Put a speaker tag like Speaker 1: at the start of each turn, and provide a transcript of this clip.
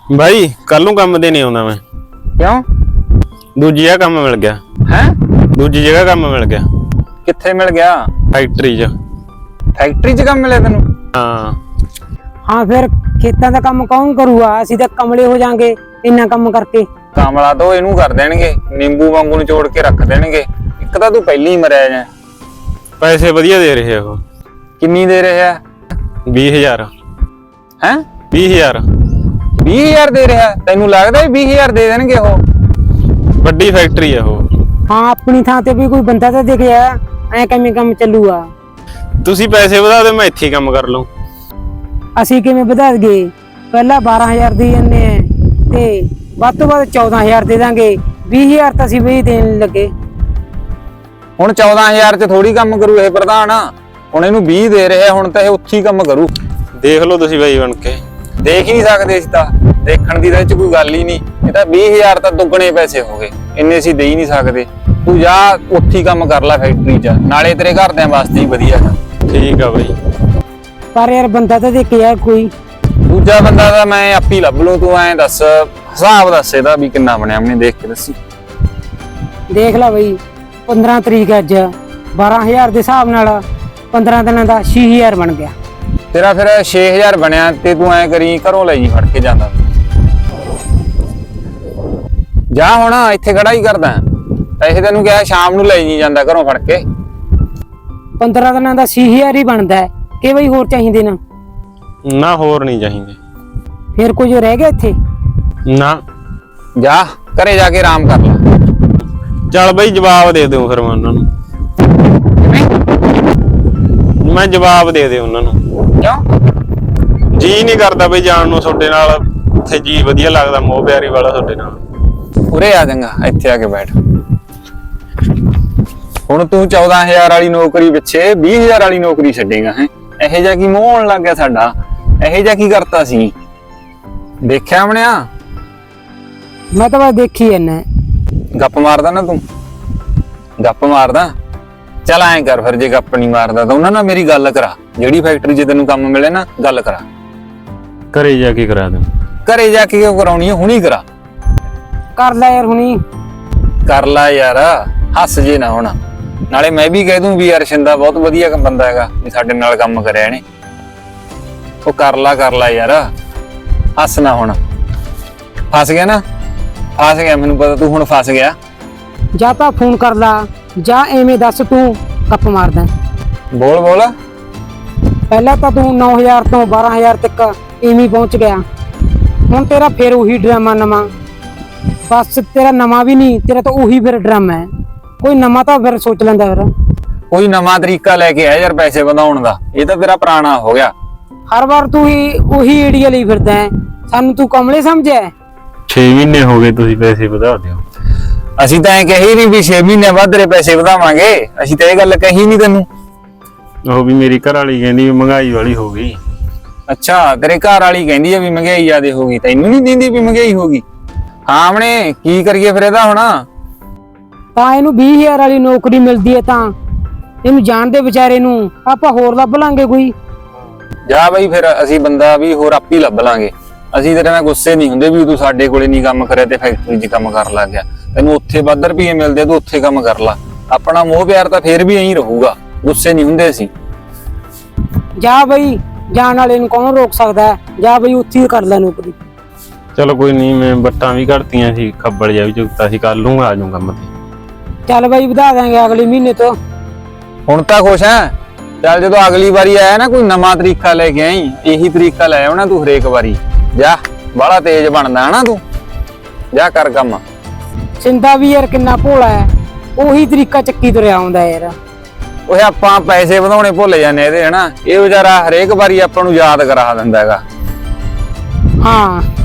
Speaker 1: भाई कल नूं काम ते नहीं आउंदा मैं।
Speaker 2: क्यों?
Speaker 1: दूजी जगह काम मिल गया
Speaker 2: है?
Speaker 1: दूजी जगह काम मिल गया।
Speaker 2: कित्थे मिल गया?
Speaker 1: फैक्ट्री च।
Speaker 2: फैक्ट्री च काम मिले तेनू?
Speaker 1: हाँ
Speaker 3: हाँ फिर खेतां दा काम कौन करूगा? ਅਸੀਂ ਤਾਂ ਕਮਲੇ ਹੋ ਜਾਾਂਗੇ ਇੰਨਾ ਕੰਮ ਕਰਕੇ।
Speaker 2: ਕਾਮਲਾ ਤੋਂ ਇਹਨੂੰ ਕਰ ਦੇਣਗੇ, ਨਿੰਬੂ ਵਾਂਗੂ ਨਿਚੋੜ ਕੇ ਰੱਖ ਦੇਣਗੇ। ਇੱਕ ਤਾਂ ਤੂੰ ਪਹਿਲੀ ਹੀ ਮਰਿਆ ਜਾਂ।
Speaker 1: पैसे वधिया दे रहे हो।
Speaker 2: ਕਿੰਨੀ ਦੇ ਰਿਹਾ?
Speaker 1: 20,000
Speaker 2: ਹੈ?
Speaker 1: 20,000
Speaker 2: 20,000 ਦੇ ਰਿਹਾ? ਤੈਨੂੰ ਲੱਗਦਾ ਵੀ 20,000 ਦੇ ਦੇਣਗੇ ਉਹ?
Speaker 1: ਵੱਡੀ ਫੈਕਟਰੀ ਹੈ ਉਹ।
Speaker 3: ਹਾਂ ਆਪਣੀ ਥਾਂ ਤੇ ਵੀ ਕੋਈ ਬੰਦਾ ਤਾਂ ਦਿਖ ਗਿਆ, ਐ ਕਿਵੇਂ ਕੰਮ ਚੱਲੂਗਾ?
Speaker 1: ਤੁਸੀਂ ਪੈਸੇ ਵਧਾ ਦਿਓ, ਮੈਂ ਇੱਥੇ ਹੀ ਕੰਮ ਕਰ ਲਵਾਂ।
Speaker 3: ਅਸੀਂ ਕਿਵੇਂ ਵਧਾ ਦਈਏ? ਪਹਿਲਾਂ 12,000 ਦੇ ਜੰਨੇ ਆ ਤੇ ਵੱਧ ਤੋਂ ਵੱਧ 14,000 ਦੇ ਦਾਂਗੇ। 20,000 ਤਾਂ ਅਸੀਂ ਵੀ ਦੇਣ ਲੱਗੇ।
Speaker 2: ਹੁਣ 14,000 ਚ ਥੋੜੀ ਕੰਮ ਕਰੂ ਇਹ ਪ੍ਰਧਾਨ। ਹੁਣ ਇਹਨੂੰ 20 ਦੇ ਰਿਹਾ, ਹੁਣ ਤਾਂ ਇਹ ਉੱਥੇ ਹੀ ਕੰਮ ਕਰੂ।
Speaker 1: ਦੇਖ ਲਓ ਤੁਸੀਂ ਬਾਈ ਬਣ ਕੇ।
Speaker 2: ਦੇਖ ਹੀ ਨਹੀਂ ਸਕਦੇ ਇਸ ਤਾਂ, ਦੇਖਣ ਦੀ ਤਾਂ ਇਹ ਚ ਕੋਈ ਗੱਲ ਹੀ ਨਹੀਂ। ਇਹ ਤਾਂ 20,000 ਤਾਂ ਦੁੱਗਣੇ ਪੈਸੇ ਹੋ ਗਏ, ਇੰਨੇ ਅਸੀਂ ਦੇ ਹੀ ਨਹੀਂ ਸਕਦੇ। ਤੂੰ ਜਾ ਉੱਥੇ ਹੀ ਕੰਮ ਕਰ ਲੈ ਫੈਕਟਰੀ 'ਚ, ਨਾਲੇ ਤੇਰੇ ਘਰਦਿਆਂ ਵਾਸਤੇ ਹੀ ਵਧੀਆ ਹੈ।
Speaker 1: ਠੀਕ ਆ ਬਾਈ।
Speaker 3: ਪਰ ਯਾਰ ਬੰਦਾ ਤਾਂ ਦੇਖਿਆ ਕੋਈ
Speaker 2: ਦੂਜਾ ਬੰਦਾ ਤਾਂ ਮੈਂ ਆਪੇ ਹੀ ਲੱਭ ਲੂ। ਤੂੰ ਐਂ ਦੱਸ, ਹਿਸਾਬ ਦੱਸ ਇਹਦਾ ਵੀ ਕਿੰਨਾ ਬਣਿਆ, ਮੈਨੂੰ ਦੇਖ ਕੇ ਦੱਸੀ।
Speaker 3: ਦੇਖ ਲੈ ਬਈ 15 ਤਰੀਕ ਅੱਜ 12,000 ਦੇ ਹਿਸਾਬ ਨਾਲ 15 ਦਿਨਾਂ ਦਾ 6,000 ਬਣ ਗਿਆ।
Speaker 2: ਤੇਰਾ ਫਿਰ 6,000 ਬਣਿਆ ਤੇ ਤੂੰ ਐਂ ਕਰੀ ਘਰੋਂ ਲੈ ਜੀ ਫੜ ਕੇ ਜਾਂਦਾ। ਜਾ ਹੁਣ ਇੱਥੇ ਖੜਾ ਹੀ ਕਰਦਾ। ਪੈਸੇ ਤੈਨੂੰ ਕਿਹਾ ਸ਼ਾਮ ਨੂੰ ਲੈ ਜੀ ਜਾਂਦਾ ਘਰੋਂ ਫੜ ਕੇ।
Speaker 3: 15 ਦਿਨਾਂ ਦਾ 6,000 ਹੀ ਬਣਦਾ ਹੈ ਕਿ ਬਈ ਹੋਰ ਚਾਹੀਦੇ ਨਾ?
Speaker 1: ਨਾ ਹੋਰ ਨਹੀਂ ਚਾਹੀਦੇ।
Speaker 3: ਫਿਰ ਕੁਝ ਰਹਿ ਗਿਆ ਇੱਥੇ?
Speaker 1: ਨਾ
Speaker 2: ਜਾ ਘਰੇ ਜਾ ਕੇ ਆਰਾਮ ਕਰ ਲੈ।
Speaker 1: ਚੱਲ ਬਾਈ ਜਵਾਬ ਦੇ ਦਿਓ ਫਿਰ ਮੈਂ ਉਹਨਾਂ ਨੂੰ। ਮੈਂ ਜਵਾਬ ਦੇ ਦਿਓ ਉਹਨਾਂ ਨੂੰ।
Speaker 2: ਕਿਉਂ?
Speaker 1: ਜੀ ਨਹੀਂ ਕਰਦਾ ਬਈ ਜਾਣ ਨੂੰ ਤੁਹਾਡੇ ਨਾਲ। ਉੱਥੇ ਜੀ ਵਧੀਆ ਲੱਗਦਾ, ਮੋਹ ਪਿਆਰੀ ਵਾਲਾ ਤੁਹਾਡੇ ਨਾਲ।
Speaker 2: ਉਰੇ ਆ ਜਾਂਗਾ, ਇੱਥੇ ਆ ਕੇ ਬੈਠ। ਹੁਣ ਤੂੰ 14,000 ਵਾਲੀ ਨੌਕਰੀ ਪਿੱਛੇ 20,000 ਵਾਲੀ ਨੌਕਰੀ ਛੱਡੇਗਾ ਹੈ? ਇਹੋ ਜਿਹਾ ਕੀ ਮੋਹ ਹੋਣ ਲੱਗ ਗਿਆ ਸਾਡਾ? ਇਹੋ ਜਿਹਾ ਕੀ ਕਰਤਾ ਸੀ? ਦੇਖਿਆ ਬਣਿਆ?
Speaker 3: ਮੈਂ ਤਾਂ ਬਸ ਦੇਖੀ ਜਾਂਦਾ।
Speaker 2: ਗੱਪ ਮਾਰਦਾ ਨਾ ਤੂੰ? ਗੱਪ ਮਾਰਦਾ? ਚੱਲ ਐਂ ਕਰ ਫਿਰ, ਜੇ ਗੱਪ ਨਹੀਂ ਮਾਰਦਾ ਤਾਂ ਉਹਨਾਂ ਨਾਲ ਮੇਰੀ ਗੱਲ ਕਰਾ। ਜਿਹੜੀ ਫੈਕਟਰੀ 'ਚ ਤੈਨੂੰ ਕੰਮ ਮਿਲੇ ਨਾ, ਗੱਲ ਕਰਾ।
Speaker 1: ਘਰੇ ਜਾ ਕੇ ਕਰਾ ਦਿਓ।
Speaker 2: ਘਰੇ ਜਾ ਕੇ ਕਿਉਂ ਕਰਾਉਣੀ ਹੈ? ਹੁਣੀ ਕਰਾ।
Speaker 3: ਕਰ ਲੈ ਯਾਰ ਹੁਣੀ।
Speaker 2: ਕਰ ਲੈ ਯਾਰ, ਹੱਸ ਜੇ ਨਾ ਹੁਣ। ਨਾਲੇ ਮੈਂ ਵੀ ਕਹਿ ਦੂੰ ਵੀ ਯਾਰ ਸ਼ਿੰਦਾ ਬਹੁਤ ਵਧੀਆ ਬੰਦਾ ਹੈਗਾ, ਵੀ ਸਾਡੇ ਨਾਲ ਕੰਮ ਕਰਿਆ ਇਹਨੇ। ਉਹ ਕਰ ਲੈ ਯਾਰ, ਹੱਸ ਨਾ ਹੁਣ। ਫਸ ਗਿਆ ਨਾ? ਫਸ ਗਿਆ, ਮੈਨੂੰ ਪਤਾ ਤੂੰ ਹੁਣ ਫਸ ਗਿਆ।
Speaker 3: ਜਾਂ ਤਾਂ ਫੋਨ ਕਰ ਲਾ ਜਾਂ ਐਵੇਂ ਦੱਸ ਤੂੰ ਗੱਪ ਮਾਰਦਾ।
Speaker 2: ਬੋਲ।
Speaker 3: ਪਹਿਲਾਂ ਤਾਂ ਤੂੰ 9,000 ਤੋਂ 12,000 ਤੱਕ ਐਵੇਂ ਪਹੁੰਚ ਗਿਆ। ਹੁਣ ਤੇਰਾ ਫਿਰ ਉਹੀ ਡਰਾਮਾ ਨਵਾਂ। ਬਸ ਤੇਰਾ ਨਵਾਂ ਵੀ ਨਹੀਂ, ਤੇਰਾ ਤਾਂ ਉਹੀ ਫਿਰ ਡਰਾਮਾ ਹੈ। ਕੋਈ ਨਵਾਂ ਤਾਂ ਫਿਰ ਸੋਚ ਲੈਂਦਾ ਫਿਰ।
Speaker 2: ਕੋਈ ਨਵਾਂ ਤਰੀਕਾ ਲੈ ਕੇ ਆ ਯਾਰ ਪੈਸੇ ਵਧਾਉਣ ਦਾ। ਇਹ ਤਾਂ ਤੇਰਾ ਪੁਰਾਣਾ ਹੋ ਗਿਆ।
Speaker 3: ਹਰ ਵਾਰ ਤੂੰ ਹੀ ਉਹੀ ਏੜੀਆ ਲਈ ਫਿਰਦਾ ਹੈ। ਸਾਨੂੰ ਤੂੰ ਕਮਲੇ ਸਮਝਿਆ?
Speaker 1: 6 ਮਹੀਨੇ ਹੋ ਗਏ, ਤੁਸੀਂ ਪੈਸੇ ਵਧਾ ਦਿਓ।
Speaker 2: ਅਸੀਂ ਤਾਂ ਐ ਕਹੀ ਨਹੀਂ ਵੀ 6 ਮਹੀਨੇ ਬਾਅਦ ਤੇਰੇ ਪੈਸੇ ਵਧਾਵਾਂਗੇ। ਅਸੀਂ ਤਾਂ ਇਹ ਗੱਲ ਕਹੀ ਨਹੀਂ ਤੈਨੂੰ।
Speaker 1: ਉਹ ਵੀ ਮੇਰੀ ਘਰ ਵਾਲੀ ਕਹਿੰਦੀ ਵੀ ਮਹਿੰਗਾਈ ਵਾਲੀ ਹੋ ਗਈ।
Speaker 2: ਅੱਛਾ, ਤੇਰੇ ਘਰ ਵਾਲੀ ਕਹਿੰਦੀ ਆ ਵੀ ਮਹਿੰਗਾਈ ਜ਼ਿਆਦੇ ਹੋ ਗਈ, ਤੈਨੂੰ ਨਹੀਂ ਦਿੰਦੀ ਵੀ ਮਹਿੰਗਾਈ ਹੋ ਗਈ? ਹਾਂ ਆਪਣੇ ਕੀ ਕਰੀਏ ਫਿਰ ਇਹਦਾ ਹੁਣ?
Speaker 3: ਤਾਂ ਇਹਨੂੰ 20,000 ਵਾਲੀ ਨੌਕਰੀ ਮਿਲਦੀ ਹੈ ਤਾਂ ਇਹਨੂੰ ਜਾਣਦੇ ਵਿਚਾਰੇ ਨੂੰ ਆਪਾਂ ਹੋਰ ਲੱਭ ਲਾਂਗੇ ਕੋਈ।
Speaker 2: ਜਾ ਬਈ ਫਿਰ, ਅਸੀਂ ਬੰਦਾ ਵੀ ਹੋਰ ਆਪੇ ਲੱਭ ਲਾਂਗੇ। ਅਸੀਂ ਤੇਰੇ ਨਾਲ ਗੁੱਸੇ ਨਹੀਂ ਹੁੰਦੇ ਵੀ ਤੂੰ ਸਾਡੇ ਕੋਲੇ ਨਹੀਂ ਕੰਮ ਕਰਿਆ ਤੇ ਫੈਕਟਰੀ 'ਚ ਕੰਮ ਕਰਨ ਲੱਗ ਗਿਆ। ਤੈਨੂੰ ਉੱਥੇ ਵੱਧ ਰੁਪਈਏ ਮਿਲਦੇ, ਤੂੰ ਉੱਥੇ ਕੰਮ ਕਰ ਲਾ। ਆਪਣਾ ਮੋਹ ਪਿਆਰ ਤਾਂ ਫੇਰ ਵੀ ਐਂ ਰਹੂਗਾ, ਗੁੱਸੇ ਨਹੀਂ ਹੁੰਦੇ ਅਸੀਂ।
Speaker 3: ਜਾ ਬਈ, ਜਾਣ ਵਾਲੇ ਨੂੰ ਕੌਣ ਰੋਕ ਸਕਦਾ ਹੈ? ਜਾ ਬਈ ਉੱਥੇ ਹੀ ਕਰ ਲੈ ਨੌਕਰੀ।
Speaker 1: ਚਲੋ ਕੋਈ ਨਹੀਂ, ਮੈਂ ਬੱਟਾਂ ਵੀ ਘੜਤੀਆਂ ਸੀ, ਖੱਬਲ ਜਿਹਾ ਵੀ ਚੁੱਕਤਾ ਸੀ। ਕੱਲ ਨੂੰ ਆ ਜਾਊਂ ਕੰਮ ਤੇ।
Speaker 3: ਚੱਲ ਬਈ ਵਧਾ ਦਾਂਗੇ ਅਗਲੇ ਮਹੀਨੇ ਤੋਂ।
Speaker 2: ਹੁਣ ਤਾਂ ਖੁਸ਼ ਹੈ? ਚੱਲ ਜਦੋਂ ਅਗਲੀ ਵਾਰੀ ਆਇਆ ਨਾ ਕੋਈ ਨਵਾਂ ਤਰੀਕਾ ਲੈ ਕੇ ਆਈ। ਇਹੀ ਤਰੀਕਾ ਲੈ ਆਉਣਾ ਤੂੰ ਹਰੇਕ ਵਾਰੀ। ਜਾ, ਬਾਹਲਾ ਤੇਜ਼ ਬਣਦਾ ਹਨਾ ਤੂੰ। ਜਾ ਕਰ ਕੰਮ।
Speaker 3: ਸਿੰਦਾ ਵੀ ਯਾਰ ਕਿੰਨਾ ਭੋਲਾ ਹੈ, ਉਹੀ ਤਰੀਕਾ ਚੱਕੀ ਤੁਰਿਆ ਆਉਂਦਾ ਯਾਰ।
Speaker 2: ਉਹ ਆਪਾਂ ਪੈਸੇ ਵਧਾਉਣੇ ਭੁੱਲ ਜਾਂਦੇ ਇਹਦੇ ਹਨਾ। ਇਹ ਵਿਚਾਰਾ ਹਰੇਕ ਵਾਰੀ ਆਪਾਂ ਨੂੰ ਯਾਦ ਕਰਾ ਦਿੰਦਾ ਹੈਗਾ।
Speaker 3: ਹਾਂ